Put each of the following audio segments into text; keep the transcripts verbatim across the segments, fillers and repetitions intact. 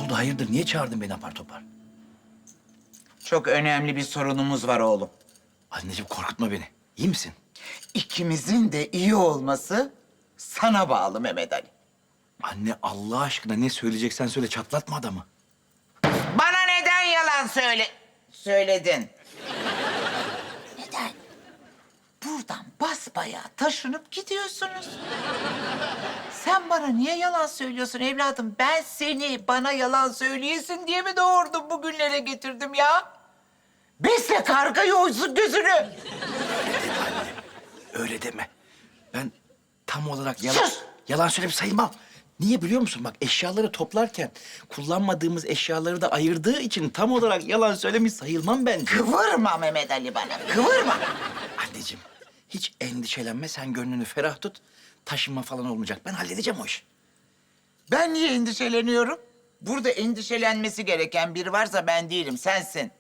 oldu hayırdır? Niye çağırdın beni apar topar? Çok önemli bir sorunumuz var oğlum. Anneciğim korkutma beni. İyi misin? İkimizin de iyi olması sana bağlı Mehmet Ali. Anne Allah aşkına ne söyleyeceksen söyle, çatlatma adamı. Bana neden yalan söyle... söyledin? Neden? Buradan basbayağı taşınıp gidiyorsunuz. Sen bana niye yalan söylüyorsun evladım? Ben seni bana yalan söyleyesin diye mi doğurdum, bugünlere getirdim ya? Besle kargayı, oysun gözünü. Öyle deme. Ben tam olarak yalan, Sus! yalan söyleyip sayılmam. Niye biliyor musun? Bak eşyaları toplarken kullanmadığımız eşyaları da ayırdığı için tam olarak yalan söylemiş sayılmam bence. Kıvırma Mehmet Ali bana, kıvırma. Anneciğim hiç endişelenme, sen gönlünü ferah tut. Taşınma falan olmayacak. Ben halledeceğim o işi. Ben niye endişeleniyorum? Burada endişelenmesi gereken biri varsa ben değilim, sensin.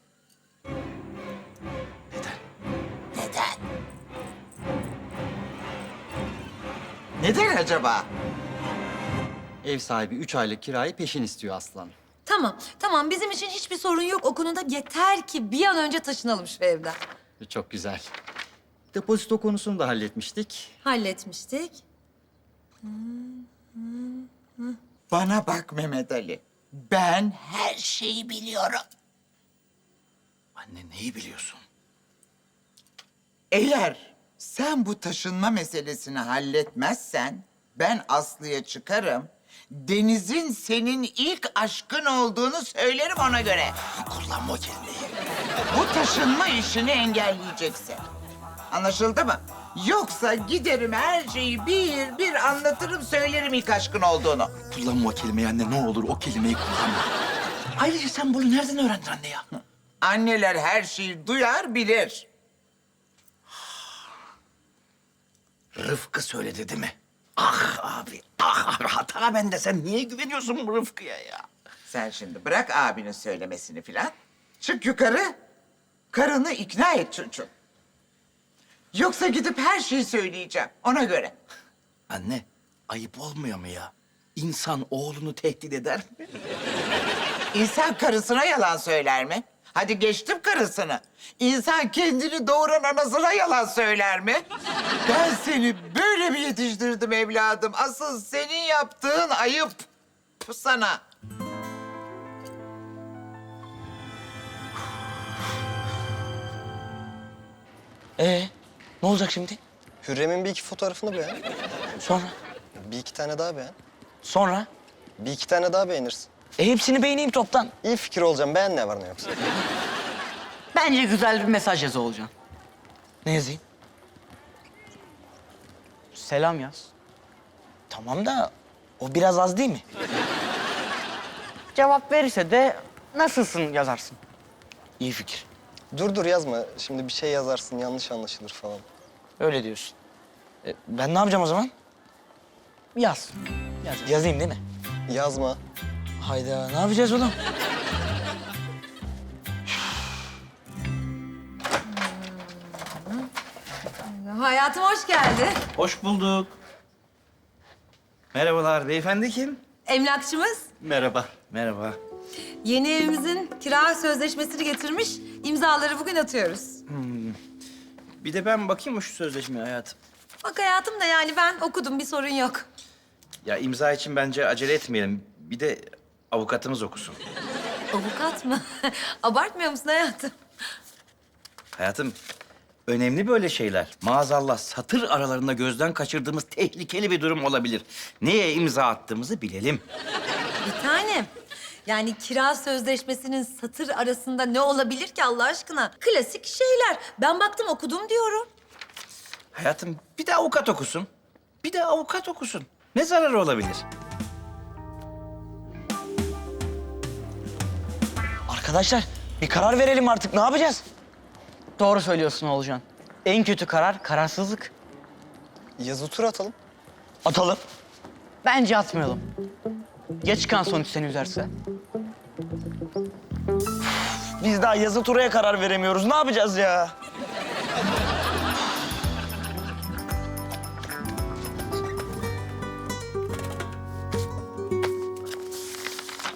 Neden? Neden? Neden acaba? Ev sahibi üç aylık kirayı peşin istiyor Aslan. Tamam, tamam. Bizim için hiçbir sorun yok o konuda. Yeter ki bir an önce taşınalım şu evden. Çok güzel. Depozito konusunu da halletmiştik. Halletmiştik. Bana bak Mehmet Ali. Ben her şeyi biliyorum. Anne neyi biliyorsun? Eğer sen bu taşınma meselesini halletmezsen ben Aslı'ya çıkarım. Deniz'in senin ilk aşkın olduğunu söylerim ona göre. Kullanma o kelimeyi. Bu taşınma işini engelleyeceksin. Anlaşıldı mı? Yoksa giderim her şeyi bir bir anlatırım, söylerim ilk aşkın olduğunu. Kullanma o kelimeyi anne, ne olur o kelimeyi kullanma. Ayrıca sen bunu nereden öğrendin anne ya? Anneler her şeyi duyar, bilir. Rıfkı söyledi değil mi? Ah abi, ah hata bende. Sen niye güveniyorsun bu Rıfkı'ya ya? Sen şimdi bırak abinin söylemesini filan. Çık yukarı, karını ikna et çocuğum. Yoksa gidip her şeyi söyleyeceğim, ona göre. Anne, ayıp olmuyor mu ya? İnsan oğlunu tehdit eder mi? İnsan karısına yalan söyler mi? Hadi geçtim karısını. İnsan kendini doğuran anasına yalan söyler mi? Ben seni böyle mi yetiştirdim evladım? Asıl senin yaptığın ayıp sana. Ee, ne olacak şimdi? Hürrem'in bir iki fotoğrafını beğen. Sonra? Bir iki tane daha beğen. Sonra? Bir iki tane daha beğenirsin. E hepsini beğeneyim toptan. İyi fikir olacağım. Beğen ne var ne yoksa. Bence güzel bir mesaj yazı olacaksın. Ne yazayım? Selam yaz. Tamam da o biraz az değil mi? Cevap verirse de nasılsın yazarsın. İyi fikir. Dur dur yazma. Şimdi bir şey yazarsın yanlış anlaşılır falan. Öyle diyorsun. E, ben ne yapacağım o zaman? Yaz. Yaz. Yazayım değil mi? Yazma. Hayda, ne yapacağız oğlum? Hayatım hoş geldin. Hoş bulduk. Merhabalar, beyefendi kim? Emlakçımız Merhaba. Merhaba. yeni evimizin kira sözleşmesini getirmiş. İmzaları bugün atıyoruz. Bir de ben bakayım mı şu sözleşmeye hayatım? Bak hayatım da yani ben okudum, bir sorun yok. Ya imza için bence acele etmeyelim. Bir de avukatımız okusun. Avukat mı? Abartmıyor musun hayatım? Hayatım, önemli böyle şeyler. Maazallah satır aralarında gözden kaçırdığımız tehlikeli bir durum olabilir. Neye imza attığımızı bilelim. Bir tanem. Yani kira sözleşmesinin satır arasında ne olabilir ki Allah aşkına? Klasik şeyler. Ben baktım okudum diyorum. Hayatım, bir de avukat okusun. Bir de avukat okusun. Ne zararı olabilir? Arkadaşlar bir karar verelim artık. Ne yapacağız? Doğru söylüyorsun Oğulcan. En kötü karar kararsızlık. Yazı tur atalım. Atalım. Bence atmayalım. Geç çıkan sonuç seni üzerse. Biz daha yazı turaya karar veremiyoruz. Ne yapacağız ya?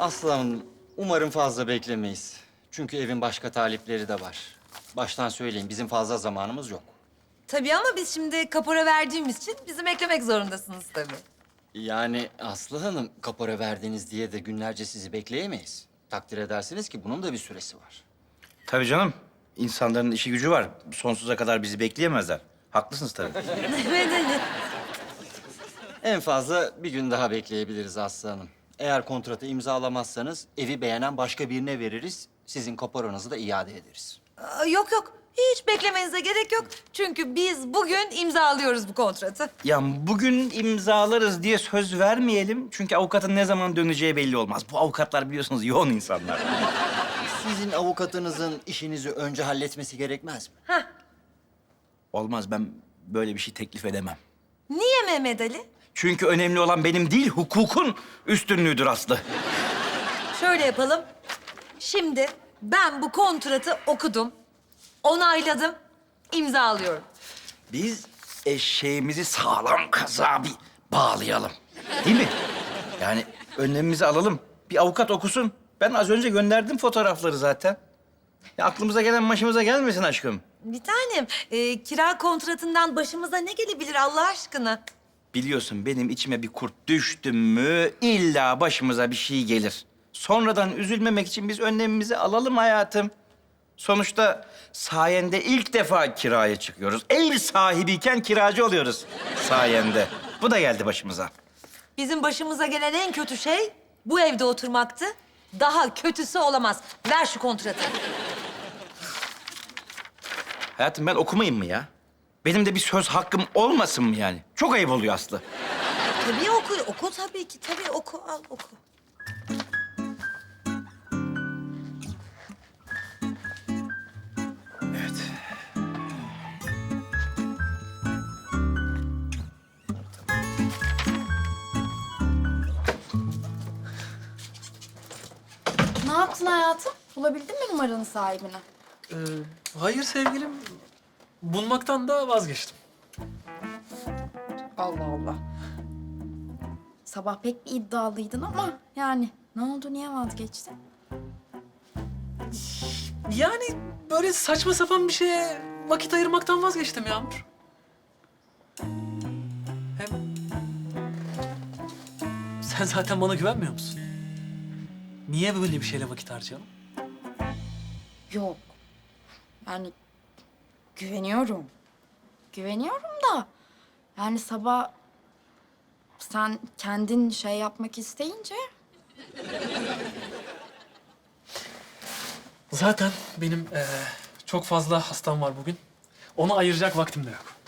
Aslanım, umarım fazla beklemeyiz. Çünkü evin başka talipleri de var. Baştan söyleyeyim, bizim fazla zamanımız yok. Tabii ama biz şimdi kapora verdiğimiz için bizim eklemek zorundasınız tabii. Yani Aslı Hanım, kapora verdiniz diye de günlerce sizi bekleyemeyiz. Takdir edersiniz ki bunun da bir süresi var. Tabii canım. İnsanların işi gücü var. Sonsuza kadar bizi bekleyemezler. Haklısınız tabii. Evet, evet. En fazla bir gün daha bekleyebiliriz Aslı Hanım. Eğer kontratı imzalamazsanız evi beğenen başka birine veririz. Sizin kaporanızı da iade ederiz. Aa, Yok yok. Hiç beklemenize gerek yok. Çünkü biz bugün imzalıyoruz bu kontratı. Ya bugün imzalarız diye söz vermeyelim. Çünkü avukatın ne zaman döneceği belli olmaz. Bu avukatlar biliyorsunuz yoğun insanlar. Sizin avukatınızın işinizi önce halletmesi gerekmez mi? Heh. Olmaz, ben böyle bir şey teklif edemem. Niye Mehmet Ali? Çünkü önemli olan benim değil, hukukun üstünlüğüdür Aslı. Şöyle yapalım. Şimdi ben bu kontratı okudum, onayladım, imzalıyorum. Biz eşeğimizi sağlam kazığa bir bağlayalım. Değil mi? Yani önlemimizi alalım. Bir avukat okusun. Ben az önce gönderdim fotoğrafları zaten. Ya aklımıza gelen başımıza gelmesin aşkım. Bir tanem, e, kira kontratından başımıza ne gelebilir Allah aşkına? Biliyorsun benim içime bir kurt düştü mü illa başımıza bir şey gelir. Sonradan üzülmemek için biz önlemimizi alalım hayatım. Sonuçta sayende ilk defa kiraya çıkıyoruz. Ev sahibiyken kiracı oluyoruz sayende. Bu da geldi başımıza. Bizim başımıza gelen en kötü şey bu evde oturmaktı. Daha kötüsü olamaz. Ver şu kontratı. Hayatım ben okumayayım mı ya? Benim de bir söz hakkım olmasın mı yani? Çok ayıp oluyor Aslı. Tabii oku, oku tabii ki. Tabii oku, al oku. Evet. Ne yaptın hayatım? Bulabildin mi numaranın sahibini? Ee, hayır sevgilim. Bulmaktan da vazgeçtim. Allah Allah. Sabah pek bir iddialıydın ama yani ne oldu, niye vazgeçtin? Yani böyle saçma sapan bir şeye vakit ayırmaktan vazgeçtim Yağmur. Hem sen zaten bana güvenmiyor musun? Niye böyle bir şeyle vakit harcayalım? Yok. Yani güveniyorum. Güveniyorum da yani sabah sen kendin şey yapmak isteyince Zaten benim eee, çok fazla hastam var bugün. Ona ayıracak vaktim de yok.